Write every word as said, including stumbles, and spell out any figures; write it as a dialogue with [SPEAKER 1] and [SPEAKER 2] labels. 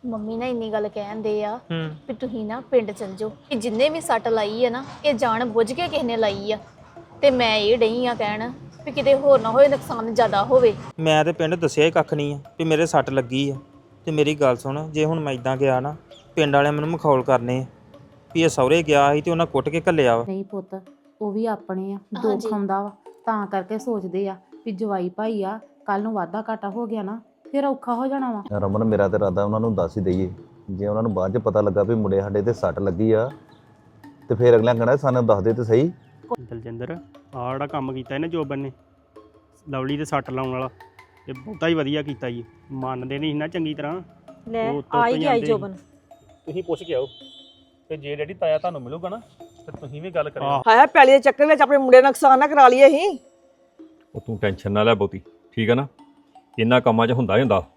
[SPEAKER 1] Mummy ਨਾ ਇੰਨੀ ਗੱਲ ਕਹਿੰਦੇ ਆ
[SPEAKER 2] ਹੂੰ
[SPEAKER 1] ਵੀ ਤੁਸੀਂ ਨਾ ਪਿੰਡ ਚਲ ਜਾਓ ਕਿ ਜਿੰਨੇ ਵੀ ਸੱਟ ਲਾਈ ਆ ਨਾ ਇਹ ਜਾਣ ਬੁੱਝ ਕੇ ਕਿਸੇ ਨੇ ਲਾਈ ਆ ਤੇ ਮੈਂ ਇਹ ਡਈ ਆ ਕਹਿਣ ਵੀ ਕਿਤੇ ਹੋਰ ਨਾ ਹੋਏ ਨੁਕਸਾਨ ਜ਼ਿਆਦਾ ਹੋਵੇ।
[SPEAKER 2] ਮੈਂ ਤੇ ਪਿੰਡ ਦੱਸਿਆ ਹੀ ਕੱਖ ਨਹੀਂ ਆ ਵੀ ਮੇਰੇ ਸੱਟ ਲੱਗੀ ਆ ਤੇ ਮੇਰੀ ਗੱਲ ਸੁਣ ਜੇ ਹੁਣ ਮੈਂ ਇਦਾਂ ਗਿਆ ਨਾ ਪਿੰਡ ਵਾਲਿਆਂ ਮੈਨੂੰ ਮਖੌਲ ਕਰਨੇ ਆ ਵੀ ਇਹ ਸਹੁਰੇ ਗਿਆ ਸੀ ਤੇ ਉਹਨਾਂ ਕੁੱਟ ਕੇ ਘੱਲਿਆ ਵਾ।
[SPEAKER 3] ਨਹੀਂ ਪੁੱਤ ਉਹ ਵੀ ਆਪਣੇ ਆ ਦੁੱਖ
[SPEAKER 1] ਹਾਂਜੀ।
[SPEAKER 3] ਆਉਂਦਾ ਵਾ ਤਾਂ ਕਰਕੇ ਸੋਚਦੇ ਆ ਵੀ ਜਵਾਈ ਭਾਈ ਆ ਕੱਲ ਨੂੰ ਵਾਧਾ ਘਾਟਾ ਹੋ ਗਿਆ ਨਾ ਫਿਰ ਔਖਾ ਹੋ ਜਾਣਾ ਵਾ।
[SPEAKER 4] ਰਮਨ ਮੇਰਾ ਤੇ ਇਰਾਦਾ ਉਹਨਾਂ ਨੂੰ ਦੱਸ ਹੀ ਦਈਏ ਜੇ ਉਹਨਾਂ ਨੂੰ ਬਾਅਦ 'ਚ ਪਤਾ ਲੱਗਾ ਵੀ ਮੁੰਡੇ ਸਾਡੇ ਤੇ ਸੱਟ ਲੱਗੀ ਆ ਤੇ ਫਿਰ ਅਗਲਿਆਂ ਕਹਿਣਾ ਸਾਨੂੰ ਦੱਸ ਦੇ ਤੇ ਸਹੀ।
[SPEAKER 5] ਦਲਜਿੰਦਰ ਆਹ ਜਿਹੜਾ ਕੰਮ ਕੀਤਾ ਇਹਨੇ ਜੋਬਨ ਨੇ ਲਵਲੀ ਤੇ ਸੱਟ ਲਾਉਣ ਵਾਲਾ ਇਹ ਬਹੁਤਾ ਹੀ ਵਧੀਆ ਕੀਤਾ ਜੀ ਮੰਨਦੇ ਨਹੀਂ ਸੀ ਨਾ ਚੰਗੀ ਤਰ੍ਹਾਂ
[SPEAKER 6] ਲੈ
[SPEAKER 5] ਉਹ ਤੋਂ
[SPEAKER 6] ਆ ਹੀ ਗਿਆ ਈ
[SPEAKER 5] ਜਾਂਦੇ
[SPEAKER 6] ਜੋਬਨ।
[SPEAKER 7] ਤੁਸੀਂ ਪੁੱਛ ਕੇ ਆਓ ਤੇ ਜੇ ਡੈਡੀ ਤਾਇਆ ਤੁਹਾਨੂੰ ਮਿਲੂਗਾ ਨਾ ਤੇ ਤੁਸੀਂ ਵੀ ਗੱਲ ਕਰਿਓ।
[SPEAKER 5] ਆਹ
[SPEAKER 6] ਹਾਇਆ ਪੈਲੀ ਦੇ ਚੱਕਰ ਵਿੱਚ ਆਪਣੇ ਮੁੰਡੇ ਦਾ ਨੁਕਸਾਨ ਨਾ ਕਰਾ ਲਈਏ ਅਸੀਂ।
[SPEAKER 8] ਉਹ ਤੂੰ ਟੈਨਸ਼ਨ ਨਾ ਲੈ ਬਹੁਤੀ ਠੀਕ ਹੈ ਨਾ ਇਹਨਾਂ ਕੰਮਾਂ 'ਚ ਹੁੰਦਾ ਹੀ ਹੁੰਦਾ